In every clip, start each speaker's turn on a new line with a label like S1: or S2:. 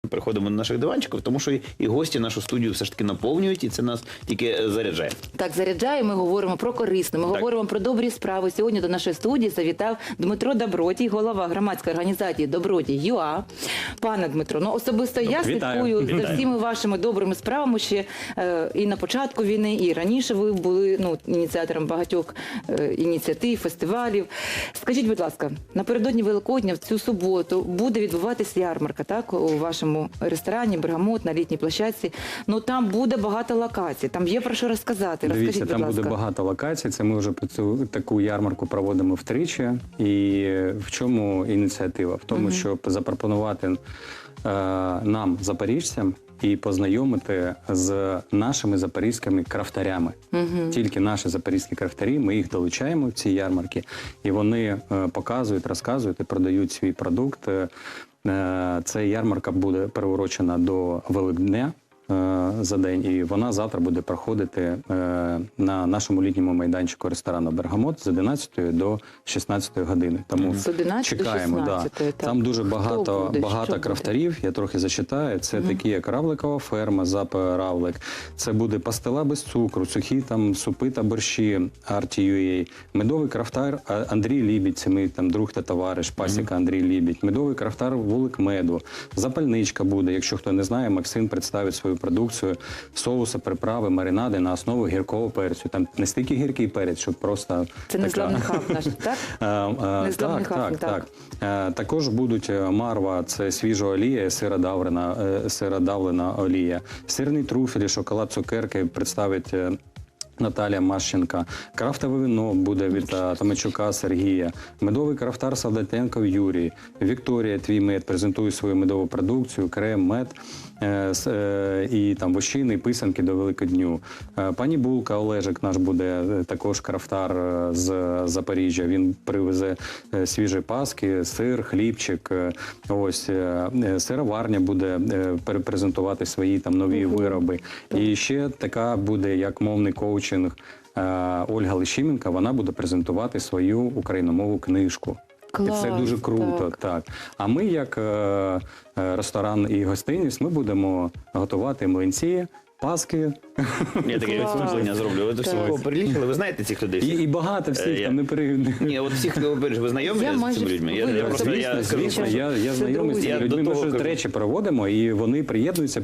S1: приходимо до наших диванчиків, тому що і гості нашу студію все ж таки наповнюють, і це нас тільки заряджає.
S2: Так, заряджає, ми говоримо про корисне, ми говоримо про добрі справи. Сьогодні до нашої студії завітав Дмитро Добродій, голова громадської організації «Добродій.ЮА». Пане Дмитро, ну особисто я слідкую за всіми вашими добрими справами ще і на початку війни, і раніше ви були ініціатором багатьох ініціатив, фестивалів. Скажіть, будь ласка, напередодні Великодня в цю суботу буде відбуватися ярмарка, так, у вашому ресторані «Бергамот» на літній площадці. Ну там буде багато локацій, там є про що розказати.
S3: Дивіться, там буде багато локацій. Це ми вже таку ярмарку проводимо втричі. І в чому ініціатива? В тому, щоб запропонувати нам, запоріжцям, і познайомити з нашими запорізькими крафтарями. Тільки наші запорізькі крафтарі, ми їх долучаємо в ці ярмарки, і вони показують, розказують і продають свій продукт. Ця ярмарка буде приурочена до Великдня за день, і вона завтра буде проходити на нашому літньому майданчику ресторану «Бергамот» з 11 до 16 години. Тому чекаємо. Там дуже багато крафтарів, я трохи зачитаю. Це такі, як Равликова ферма, ЗАП «Равлик». Це буде пастила без цукру, сухі там супи та борщі, Арті.ua. Медовий крафтар Андрій Лібідь, це мій там друг та товариш, пасіка Андрій Лібідь. Медовий крафтар Вулик Меду. Запальничка буде, якщо хто не знає, Максим представить свою продукцію, соуси, приправи, маринади на основу гіркого перцю. Там не стільки гіркий перець, щоб просто...
S2: Це незламний хаб наш, так?
S3: Так. Також будуть марва, це свіжа олія, сиродавлена олія. Сирний труфель, шоколад, цукерки представить Наталія Мащенка. Крафтове вино буде від Томачука Сергія. Медовий крафтар Солдатенков Юрій. Вікторія Твій мед презентує свою медову продукцію, крем, мед і там вощини, писанки до Великодню. Пані Булка Олежик наш буде також крафтар з Запоріжжя. Він привезе свіжі паски, сир, хлібчик. Ось сироварня буде презентувати свої там нові вироби. І ще така буде як мовний коучинг Ольга Лещименко, вона буде презентувати свою україномовну книжку.
S2: Клас,
S3: і це дуже круто, так. А ми, як ресторан і гостиність, ми будемо готувати млинці, паски.
S1: Я таке вступлення зроблю. Ви до всього перелічили, ви знаєте цих людей?
S3: І багато всіх там не перейду.
S1: Ні, от всіх, ви знайомі з цими людьми?
S3: Звісно, я знайомий з цими людьми. Ми щось, до речі, проводимо, і вони приєднуються.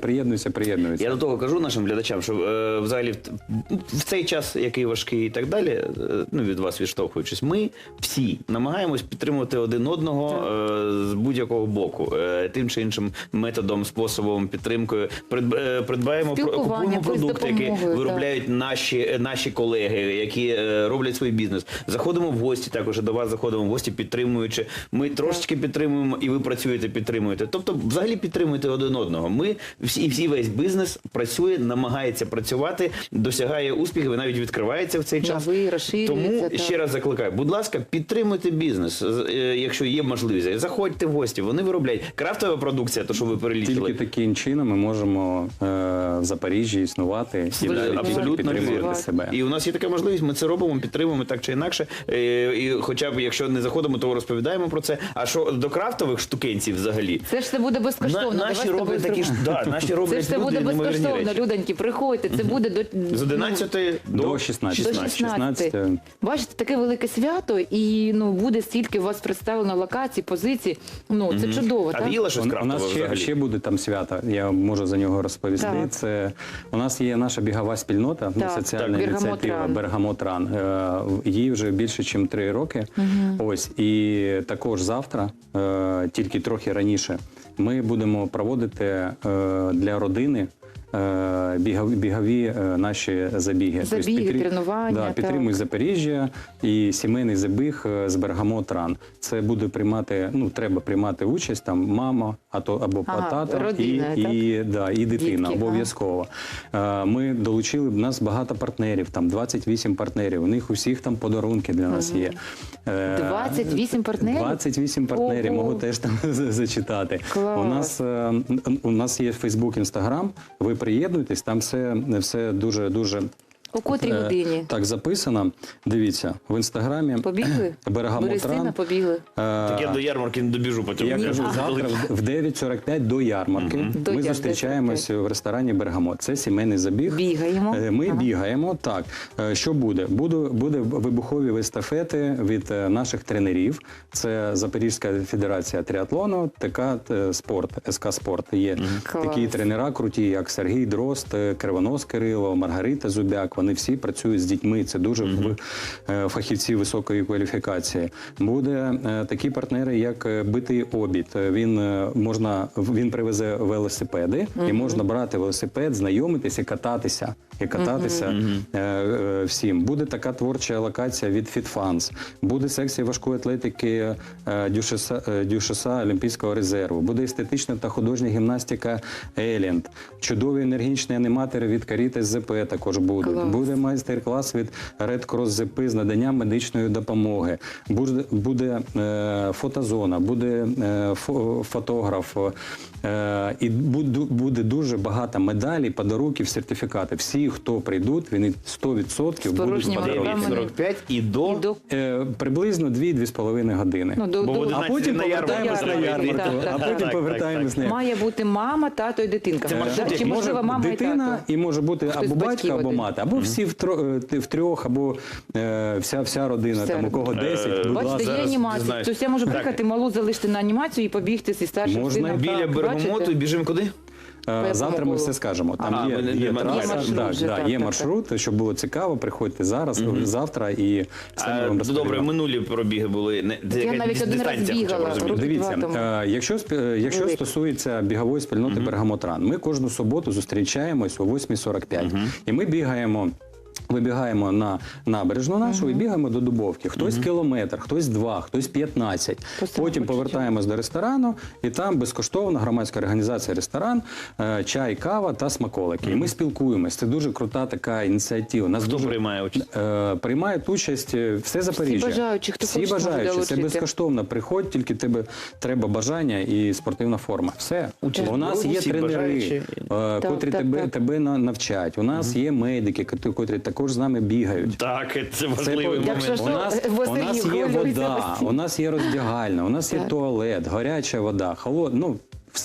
S1: Я до того кажу нашим глядачам, що взагалі в цей час, який важкий і так далі, від вас відштовхуючись, ми всі намагаємось підтримувати один одного з будь-якого боку. Тим чи іншим методом, способом, підтримкою. Придбаємо, купуємо продукти, які виробляють наші колеги, які роблять свій бізнес. Заходимо в гості, також до вас заходимо в гості, підтримуючи. Ми трошечки підтримуємо, і ви працюєте, підтримуєте. Тобто, взагалі підтримуєте один одного. Ми, всі весь бізнес працює, намагається працювати, досягає успіхів і навіть відкривається в цей час. Тому ще раз закликаю, будь ласка, підтримуйте бізнес, якщо є можливість. Заходьте в гості, вони виробляють. Крафтова продукція, то, що ви перелічили.
S3: Тільки таким чином ми можемо в Запоріжжі існувати і підтримувати себе.
S1: І у нас є така можливість, ми це робимо, підтримуємо так чи інакше. І хоча б, якщо не заходимо, то розповідаємо про це. А що до крафтових штукенців взагалі?
S2: Це ж це буде безкоштовно.
S1: Наші роблять такі ж, наші роблять
S2: це буде безкоштовно, людоньки, приходьте. Це буде
S1: з 11 до
S2: 16. Бачите, таке велике свято, і буде стільки у вас представлено локацій, позицій. Це чудово, так?
S1: А їла щось крафтове взагалі?
S3: У нас ще буде там свято, я можу за нього розповісти. Це у нас є наша бігова спільнота, соціальна ініціатива «Бергамот Ран». Їй вже більше, ніж 3 роки. Ось, і також завтра, тільки трохи раніше, ми будемо проводити для родини бігові наші забіги.
S2: Тренування.
S3: Підтримуй Запоріжжя і сімейний забіг з «Бергамот Ран». Це буде приймати, треба приймати участь там мама або тато і дитина обов'язково. Ми долучили, в нас багато партнерів, там 28 партнерів, у них усіх там подарунки для нас є.
S2: 28 партнерів?
S3: 28 партнерів, можу теж там зачитати. У нас є Фейсбук, Інстаграм, ви приєднуйтесь, там все дуже
S2: О котрій годині?
S3: Так, записано. Дивіться, в інстаграмі
S2: Побігли?
S3: Бергамотран.
S2: Берестина побігли?
S1: Так я до ярмарки не добіжу потім.
S3: Я кажу, завтра в 9:45 до ярмарки
S2: До
S3: ми
S2: ярмарки.
S3: зустрічаємося в ресторані «Бергамот». Це сімейний забіг.
S2: Бігаємо?
S3: Ми бігаємо, так. Що буде? Буде вибухові естафети від наших тренерів. Це Запорізька федерація тріатлону, ТК Спорт, СК Спорт. Є
S2: Клас.
S3: такі тренера круті, як Сергій Дрозд, Кривонос Кирило, Маргарита Зубяк. Вони всі працюють з дітьми. Це дуже фахівці високої кваліфікації. Буде такі партнери, як Битий Обід. Він привезе велосипеди, і можна брати велосипед, знайомитися і кататися. Всім. Буде така творча локація від FitFans. Буде секція важкої атлетики Дюшеса Олімпійського резерву. Буде естетична та художня гімнастика Елінд. Чудові енергічні аніматори від Карітас ЗП також будуть.
S2: Клас.
S3: Буде майстер-клас від Red Cross ЗП з наданням медичної допомоги. Буде фотозона, буде фотограф. І буде дуже багато медалей, подарунків, сертифікатів. Всі, хто прийдуть, вони 100% будуть
S2: порожніми
S3: подарунки.
S2: руками.
S1: 45 і до...
S3: Приблизно 2-2,5 години.
S2: Ну,
S1: Бо в
S3: А
S1: 11
S3: потім
S1: на
S3: повертаємось на
S1: ярмарку.
S3: ярмарку.
S2: Так,
S3: А
S2: так,
S3: потім
S1: так,
S3: повертаємось
S1: так,
S3: на ярмарку.
S2: Має бути мама, тато і дитинка.
S1: Це маршрут,
S2: Чи можливо мама і
S3: дитина,
S2: тато?
S3: і може бути
S2: Хтось
S3: або
S2: з батьків
S3: батько, або
S2: один.
S3: мати, або всі втрьох, або вся родина,
S2: Вся
S3: там у кого 10, будь
S2: Бачите,
S3: ласка.
S2: є
S1: зараз
S2: анімація.
S1: дізнаєш.
S2: Тобто я можу
S1: Так.
S2: приїхати, малу залишити на анімацію і побігти зі старшим
S3: Можна
S2: сином.
S1: Біля
S2: Так,
S1: Бергамоту
S2: бачите?
S1: і біжимо куди?
S3: Завтра ми
S2: було.
S3: все скажемо. Там
S1: А,
S3: є
S1: є
S3: траса,
S2: маршрут вже, так,
S3: є
S2: так,
S3: маршрут, щоб було цікаво, приходьте зараз, завтра і все ми вам розповімо.
S1: Добре, минулі пробіги були. Це
S2: Я
S1: якась
S2: навіть один раз
S1: дистанція, хоча б
S2: бігала.
S1: розуміти.
S3: Дивіться,
S2: Два тому.
S3: якщо
S2: Великі.
S3: стосується бігової спільноти Бергамотран, ми кожну суботу зустрічаємось о 8:45. І ми вибігаємо на набережну нашу і бігаємо до Дубовки. Хтось кілометр, хтось 2, хтось 15.
S2: Просто
S3: Потім
S2: хочеться.
S3: повертаємось до ресторану, і там безкоштовно громадська організація ресторан, чай, кава та смаколики. І ми спілкуємось. Це дуже крута така ініціатива. Нас
S1: Хто
S3: дуже
S1: приймає участь?
S3: приймають участь все Запоріжжя.
S2: бажаючі, хто
S3: Всі
S2: хоче, може
S3: бажаючі. Це
S2: долучитися.
S3: безкоштовно. Приходь, тільки тебе треба бажання і спортивна форма. Все.
S1: Участь
S3: У нас
S1: беруть
S3: є
S1: всі
S3: тренери,
S1: бажаючі.
S3: котрі
S2: так.
S3: тебе навчать. У нас є медики, котрі також з нами бігають.
S1: Так, це важливий
S2: Якщо
S1: момент.
S2: що,
S3: У нас є
S2: хвилюється
S3: вода,
S2: постійно.
S3: у нас є роздягальня, у нас є
S2: Так.
S3: туалет, гаряча вода, холодна. Ну,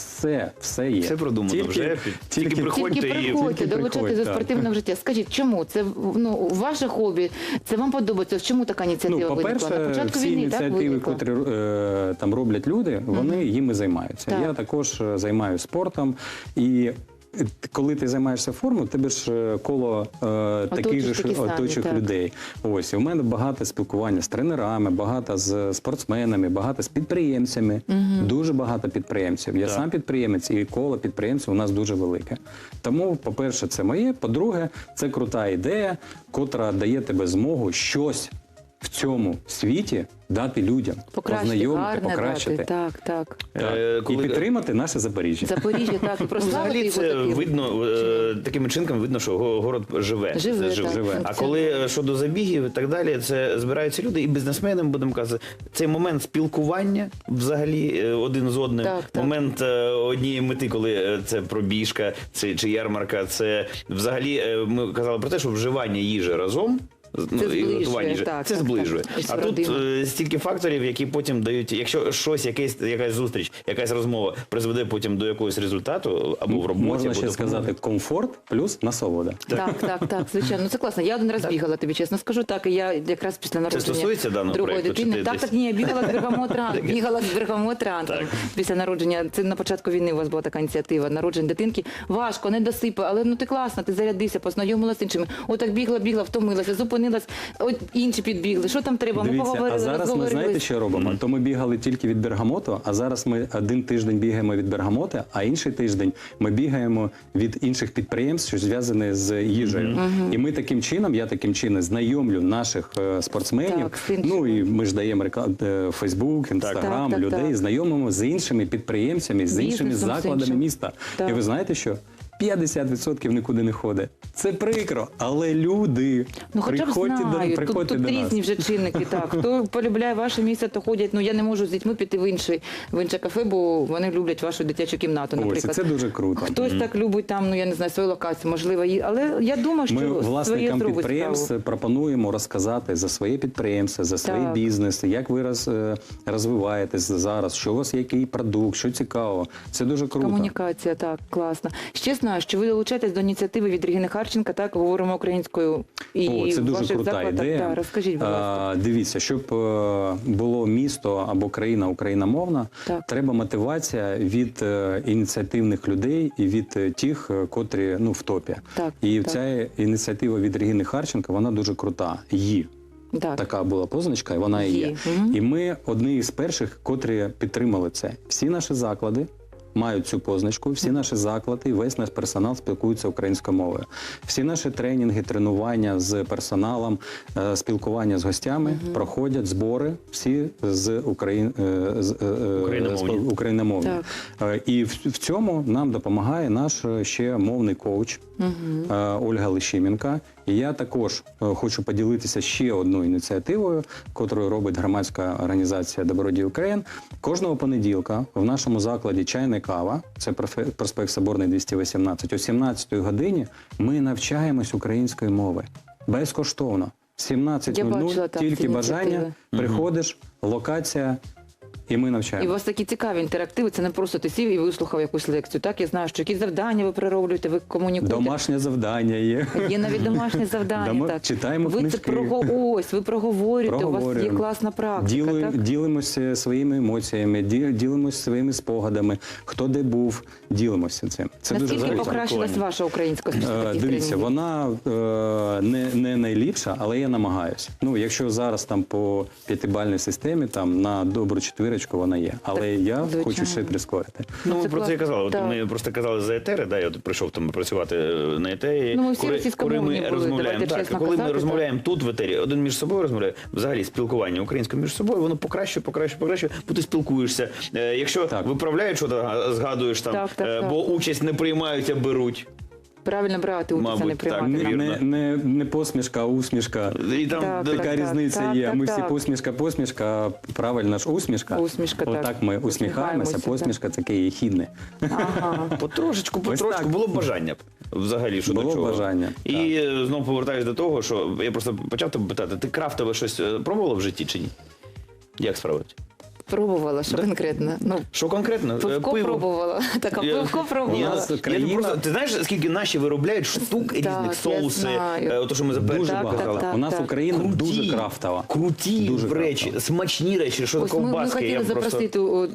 S3: все є.
S1: Все продумано вже. Тільки приходьте
S2: Тільки
S1: і...
S2: приходьте, долучайтесь
S3: приходь,
S2: до
S3: так.
S2: спортивного життя. Скажіть, чому? Це ваше хобі? Це вам подобається? Чому така ініціатива виникла? На
S3: По-перше,
S2: початку
S3: всі
S2: війни, так,
S3: ініціативи,
S2: виникла?
S3: котрі там роблять люди, вони їми займаються.
S2: Так.
S3: Я також займаюся спортом. І коли ти займаєшся формою, тебе ж коло таких же
S2: такі самі,
S3: оточих
S2: так.
S3: людей. Ось, і в мене багато спілкування з тренерами, багато з спортсменами, багато з підприємцями. Дуже багато підприємців. Я сам підприємець, і коло підприємців у нас дуже велике. Тому, по-перше, це моє. По-друге, це крута ідея, котра дає тебе змогу щось в цьому світі дати людям, познайомити, покращити.
S2: Так.
S3: Так. І
S1: Коли-
S3: підтримати наше Запоріжжя.
S2: Запоріжжя, так, і прославити
S1: Взагалі
S2: його
S1: це
S2: таким.
S1: видно, такими чинками видно, що город живе.
S2: Живе,
S1: Це
S2: так.
S3: Живе.
S1: А коли щодо забігів і так далі, це збираються люди і бізнесмени, будемо казати, цей момент спілкування взагалі один з одним,
S2: Так.
S1: момент однієї мети, коли це пробіжка чи ярмарка, це взагалі ми казали про те, що вживання їжі разом. І
S2: зближує,
S1: готування їжі.
S2: так,
S1: Це
S2: так,
S1: зближує.
S2: так. Ось
S1: А тут
S2: родина.
S1: стільки факторів, які потім дають, якщо щось, якась зустріч, якась розмова призведе потім до якогось результату або в роботі,
S3: Можна
S1: або
S3: ще
S1: допомоги.
S3: сказати комфорт плюс насолода.
S2: Так, звичайно. Ну це класно. Я один раз бігала, тобі чесно скажу. Так, і я якраз після народження
S1: стосується даного
S2: другої
S1: проекту, чи
S2: дитини.
S1: ти
S2: Так,
S1: десь?
S2: ні, я бігала з Бергамотран. Бігала з Бергамотран.
S1: Так.
S2: Після народження. Це на початку війни у вас була така ініціатива. Народження дитинки. Важко, не досипа, але ну ти класна, ти зарядився, познайомилася з іншими. Отак бігла, втомилася, зупинилась. От інші підбігли. Що там треба? Ми
S3: Дивіться,
S2: поговорили,
S3: а зараз ми знаєте,
S2: розговорились.
S3: що робимо? То ми бігали тільки від Бергамоту, а зараз ми один тиждень бігаємо від Бергамота, а інший тиждень ми бігаємо від інших підприємств, що зв'язані з їжею. І ми таким чином, я таким чином знайомлю наших спортсменів.
S2: Так, з іншими.
S3: Ну і ми ж даємо Фейсбук, Інстаграм,
S2: Так.
S3: людей, знайомимо з іншими підприємцями, з іншими
S2: Бізнесом, з
S3: закладами
S2: іншим.
S3: міста.
S2: Так.
S3: І ви знаєте що? 50% нікуди не ходить. Це прикро, але люди,
S2: Ну, хоча б знають,
S3: приходьте
S2: тут
S3: до нас.
S2: різні вже чинники, так. Хто полюбляє ваше місце, то ходять. Ну, я не можу з дітьми піти в інше кафе, бо вони люблять вашу дитячу кімнату,
S3: Ось, і
S2: наприклад.
S3: це дуже круто.
S2: Хтось так любить там, ну, я не знаю, свою локацію, можливо, але я думаю, що
S3: Ми власникам
S2: зробить
S3: підприємств
S2: справу.
S3: пропонуємо розказати за своє підприємство, за свій
S2: Так.
S3: бізнес, як ви розвиваєтесь зараз, що у вас є який продукт, що цікаво. Це дуже круто.
S2: Комунікація, так, класно. Ще знаю, що ви долучаєтесь до ініціативи від Регіни Харченка, так, говоримо українською. І
S3: О, це
S2: в
S3: дуже
S2: ваших
S3: крута
S2: закладах.
S3: ідея.
S2: Так, розкажіть, будь ласка.
S3: Дивіться, щоб було місто або країна україномовна,
S2: Так.
S3: треба мотивація від ініціативних людей і від тих, котрі в топі.
S2: Так,
S3: І
S2: так.
S3: ця ініціатива від Регіни Харченка, вона дуже крута.
S2: Так.
S3: Така була позначка, і вона і є.
S2: Мгм.
S3: І ми одні із перших, котрі підтримали це. Всі наші заклади мають цю позначку, всі наші заклади, і весь наш персонал спілкується українською мовою. Всі наші тренінги, тренування з персоналом, спілкування з гостями проходять збори всі з україномовні. І в цьому нам допомагає наш ще мовний коуч Ольга Лещименко. І я також хочу поділитися ще одною ініціативою, яку робить громадська організація «Добродій Україн». Кожного понеділка в нашому закладі «Чайна кава», це проспект Соборний 218, о 17-й годині ми навчаємось української мови. Безкоштовно.
S2: Я бачила,
S3: 17:00,
S2: так,
S3: тільки
S2: ці
S3: бажання,
S2: ініціативи.
S3: приходиш, локація, і ми
S2: І у
S3: навчаємо.
S2: вас такі цікаві інтерактиви, це не просто ти сів і вислухав якусь лекцію. Так, я знаю, що якісь завдання ви перероблюєте, ви комунікуєте.
S3: Домашнє завдання є.
S2: Є навіть домашнє завдання. Так.
S3: Читаємо
S2: ви
S3: книжки.
S2: це ви проговорюєте, у вас є класна практика. Так?
S3: Ділимося своїми емоціями, ділимося своїми спогадами, хто де був, ділимося цим. Це дуже
S2: Наскільки
S3: важливо.
S2: покращилась ваша українська після таких
S3: Дивіться,
S2: тренінгів?
S3: вона не найліпша, але я намагаюся. Якщо зараз там по 5-бальній системі, там на добру четвірочку вона є. Але я
S2: звичайно.
S3: хочу ще прискорити.
S1: Ну,
S2: це
S1: ми про це і
S2: класно.
S1: казали. От
S2: Так.
S1: ми просто казали за етери, да, я от прийшов там працювати на етері.
S2: Ну, ми всі російськомовні були,
S1: розмовляємо,
S2: давайте
S1: так,
S2: чесно
S1: коли
S2: казати,
S1: ми розмовляємо тут в етері, один між собою розмовляє, взагалі спілкування українською між собою, воно покращує, бо ти спілкуєшся. Якщо
S3: Так.
S1: виправляють, що згадуєш там,
S2: Так.
S1: бо участь не приймають, а беруть.
S2: Правильно брати участь, а не
S1: Мабуть, так.
S2: приймати.
S1: Вірно.
S3: Не посмішка, а усмішка.
S1: І там
S2: Так,
S1: да,
S3: Така різниця
S2: так,
S3: є.
S2: так,
S3: Ми всі
S2: так.
S3: посмішка, а правильна ж усмішка.
S2: Усмішка, так.
S3: Отак ми усміхаємося,
S2: Усміхаємося,
S3: посмішка це таке єхідне.
S2: Ага.
S1: потрошечку
S3: так.
S1: було б бажання взагалі, що
S3: Було
S1: до чого.
S3: бажання,
S1: І знову повертаюся до того, що я просто почав тебе питати, ти крафтове щось пробувала в житті чи ні? Як справити?
S2: Пробувала, що конкретно? Ну,
S1: Що конкретно?
S2: пивко пробувала. Так, а пивко пробувала.
S3: нас країна-
S1: Ти знаєш, скільки наші виробляють штук різних,
S2: я
S1: соуси,
S2: знаю.
S1: то, що ми за
S3: Дуже
S1: першим
S3: багато.
S1: казали.
S2: так,
S3: У нас
S2: так.
S3: Україна дуже крафтова.
S1: Круті
S3: Дуже
S1: речі,
S3: крафтова.
S1: смачні речі, що
S2: Ось ми
S1: ковбаски.
S2: хотіли
S1: Я просто...
S2: запросити,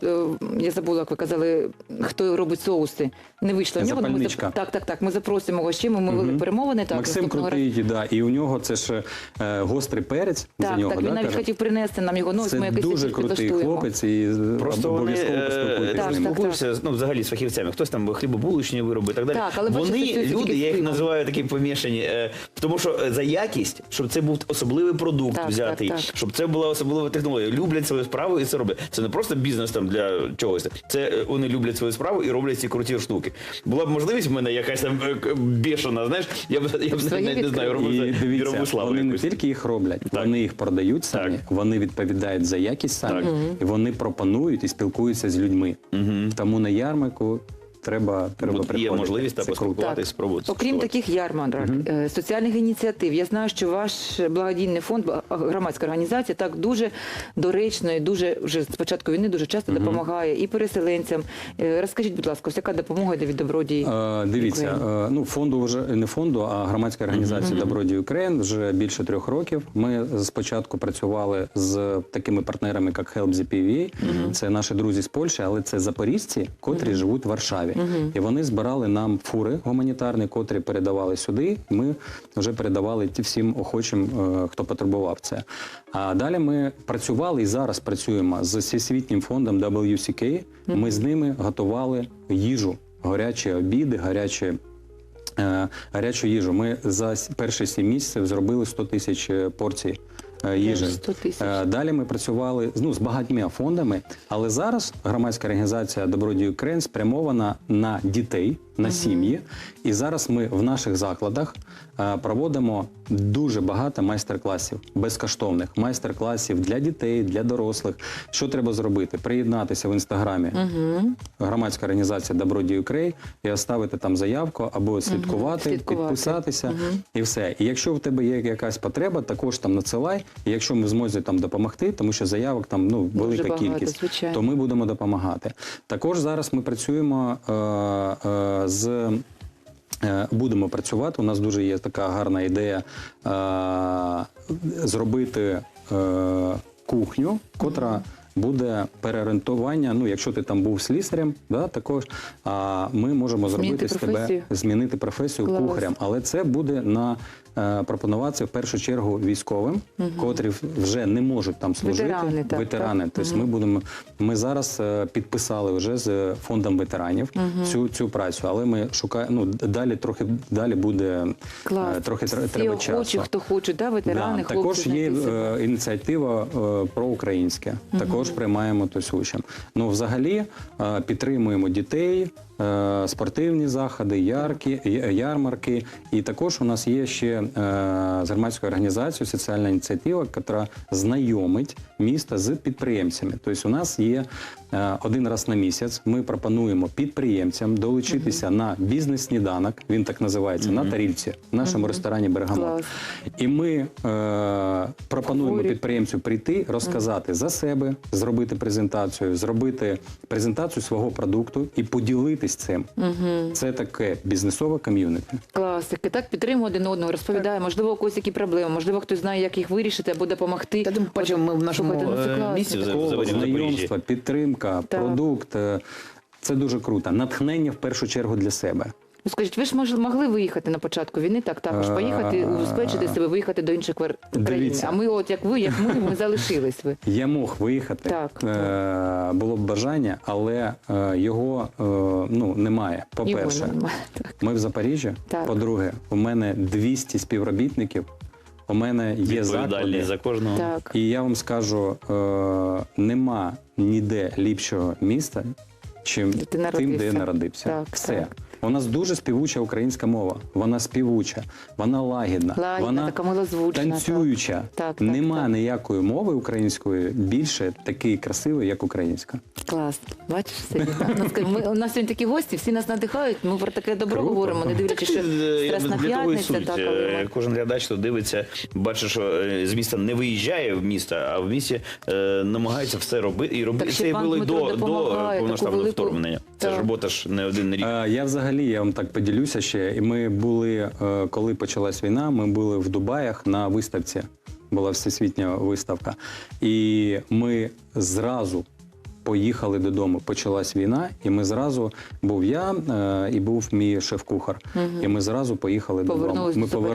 S2: я забула, як ви казали, хто робить соуси. Не вийшло. в нього, але
S3: Запальничка.
S2: Так, ми запросимо його ще, ми вели перемовини. Так,
S3: Максим
S2: наступного разу.
S3: крутий, да, і у нього це ж гострий перець за
S2: Так,
S3: нього.
S2: він
S3: да,
S2: навіть
S3: каже?
S2: хотів принести нам його, ну ось
S3: Це
S2: ми якийсь
S3: дуже
S2: рецепт
S3: крутий
S2: підлаштуємо.
S3: хлопець і
S1: Просто вони
S3: обов'язково поспілкуйтесь з ним.
S1: спілкуються взагалі з фахівцями. Хтось там хлібобулочні вироби і так далі.
S2: Так, але бачите,
S1: Вони,
S2: це тільки
S1: люди,
S2: з
S1: я їх
S2: пивом.
S1: називаю такі помішані, тому що за якість, щоб це був особливий продукт
S2: Так,
S1: взятий,
S2: так.
S1: щоб це була особлива технологія. Люблять свою справу і це роблять. Це не просто бізнес там для чогось. Це вони люблять свою справу і роблять ці круті штуки. Була б можливість в мене якась там бешена, знаєш, я б навіть не знаю,
S3: І
S1: робив
S3: дивіться,
S1: мірову славу
S3: вони не
S1: якусь.
S3: тільки їх роблять,
S1: Так.
S3: вони їх продають самі,
S1: Так.
S3: вони відповідають за якість самі,
S1: Так.
S3: і вони пропонують і спілкуються з людьми. Тому на ярмарку треба
S1: От
S3: приходити.
S1: є можливість
S3: Це круто.
S1: поспілкуватися, спробувати.
S2: Окрім
S1: скуштувати.
S2: таких ярмарок, соціальних ініціатив, я знаю, що ваш благодійний фонд, громадська організація, так дуже доречно і дуже вже з початку війни дуже часто допомагає і переселенцям. Розкажіть, будь ласка, ось яка допомога йде від Добродій?
S3: Дивіться,
S2: Україн?
S3: фонду вже не фонду, а громадська організація «Добродій Україн» вже більше 3 років. Ми спочатку працювали з такими партнерами, як Help the PVA. Це наші друзі з Польщі, але це запоріжці, котрі живуть в Варшаві. І вони збирали нам фури гуманітарні, котрі передавали сюди. Ми вже передавали всім охочим, хто потребував це. А далі ми працювали і зараз працюємо з всесвітнім фондом WCK. Ми з ними готували їжу, гарячі обіди, гарячу їжу. Ми за перші 7 місяців зробили 100 тисяч порцій їжі.
S2: 100 тисяч.
S3: Далі ми працювали з багатьма фондами, але зараз громадська організація «Добродій Україн» спрямована на дітей, на сім'ї. І зараз ми в наших закладах проводимо дуже багато майстер-класів, безкоштовних майстер-класів для дітей, для дорослих. Що треба зробити? Приєднатися в інстаграмі громадська організація Добродій Україн і оставити там заявку або слідкувати, підписатися і все. І якщо в тебе є якась потреба, також там надсилай. І якщо ми зможемо там допомогти, тому що заявок там велика
S2: багато,
S3: кількість,
S2: звичайно.
S3: то ми будемо допомагати. Також зараз ми працюємо будемо працювати. У нас дуже є така гарна ідея зробити кухню, котра буде переорієнтування. Ну, якщо ти там був слісарем, да, також ми можемо зробити з тебе змінити професію кухарем. Але це буде пропонуватися в першу чергу військовим, котрі вже не можуть там служити. Ветерани. Тобто ми зараз підписали вже з фондом ветеранів цю працю, але ми шукаємо, далі буде трохи треба часу.
S2: Всі охочі, хто хоче, ветерани, хлопці.
S3: Також є ініціатива проукраїнська. Також приймаємо участь. Ну, взагалі, підтримуємо дітей, спортивні заходи, ярмарки. І також у нас є ще з громадською організацією соціальна ініціатива, яка знайомить місто з підприємцями. Тобто у нас є один раз на місяць, ми пропонуємо підприємцям долучитися на бізнес-сніданок, він так називається, на тарілці, в нашому ресторані «Бергамот». І ми пропонуємо підприємцю прийти, розказати за себе, зробити презентацію свого продукту і поділитися цим. Це таке бізнесове ком'юніті.
S2: Класики. Так, підтримуємо один одного, розповідає, можливо, у когось які проблеми, можливо, хтось знає, як їх вирішити або допомогти.
S1: Та тим паче ми в нашому місці
S3: знайомства, підтримка, продукт. Це дуже круто. Натхнення в першу чергу для себе.
S2: Ну, скажіть, ви ж могли виїхати на початку війни, також поїхати, убезпечити себе, виїхати до інших країн. А ми, як ми залишились.
S3: Я мог виїхати, було б бажання, але його немає. По-перше, ми в Запоріжжі, по-друге, у мене 200 співробітників, у мене є заклади.
S1: За кожного.
S3: І я вам скажу, нема ніде ліпшого міста, чим тим, де я народився. Все. У нас дуже співуча українська мова. Вона співуча, вона лагідна, вона
S2: така милозвучна,
S3: танцююча. Нема ніякої мови української більше такої красивої, як українська.
S2: Клас. Бачиш, у нас сьогодні такі гості, всі нас надихають, ми про таке добро говоримо, не дивлячись, що Страсна п'ятниця.
S1: Кожен глядач, хто дивиться, бачить, що з міста не виїжджає в місто, а в місті намагається все робити. І робити це було до повноштабного вторгнення. Це ж робота ж не один рік.
S3: Я вам так поділюся ще. І ми були, коли почалась війна, ми були в Дубаях на виставці. Була всесвітня виставка. І ми зразу поїхали додому. Почалась війна, і ми зразу, був я і був мій шеф-кухар. І ми зразу поїхали додому.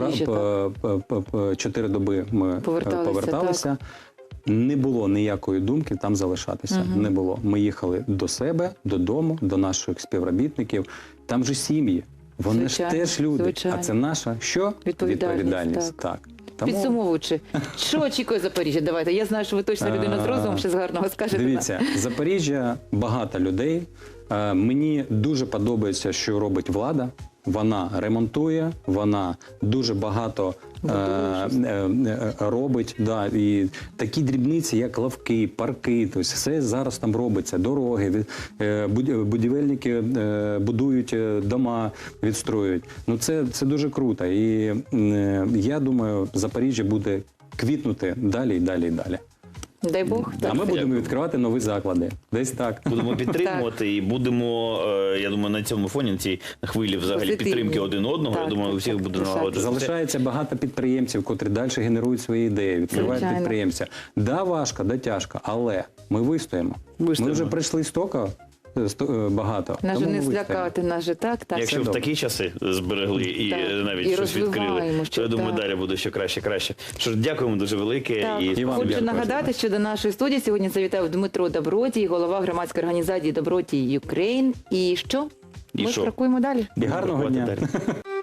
S3: Ми 4 доби ми поверталися. Не було ніякої думки там залишатися. Не було. Ми їхали до себе, додому, до наших співробітників. Там же сім'ї. Вони ж теж люди. А це наша що? Відповідальність. Так.
S2: Підсумовуючи, що очікує Запоріжжя? Давайте. Я знаю, що ви точно людина з розумом, ще з гарного скажете.
S3: Дивіться, Запоріжжя багато людей. Мені дуже подобається, що робить влада. Вона ремонтує, вона дуже багато робить. І такі дрібниці, як лавки, парки, тобто все зараз там робиться. Дороги, будівельники будують дома, відстроюють. Ну це дуже круто. І я думаю, Запоріжжя буде квітнути далі і далі і далі.
S2: Дай Бог.
S3: А ми будемо відкривати нові заклади. Десь так.
S1: Будемо підтримувати і будемо, я думаю, на цьому фоні, на цій хвилі взагалі підтримки один одного, я думаю, у всіх буде налагоджуватися.
S3: Залишається багато підприємців, котрі далі генерують свої ідеї, відкривають підприємця. Да, важко, да, тяжко, але ми вистоїмо. Ми вже прийшли стільки багато.
S2: Нас же не злякати, нас же так.
S1: Якщо в такі часи зберегли і навіть щось відкрили, то я думаю, далі буде ще краще. Що дякуємо дуже велике.
S2: Хочу нагадати, що до нашої студії сьогодні завітав Дмитро Добродій, голова громадської організації Добродій Україн. І що? Ми крокуємо далі.
S3: І гарного дня.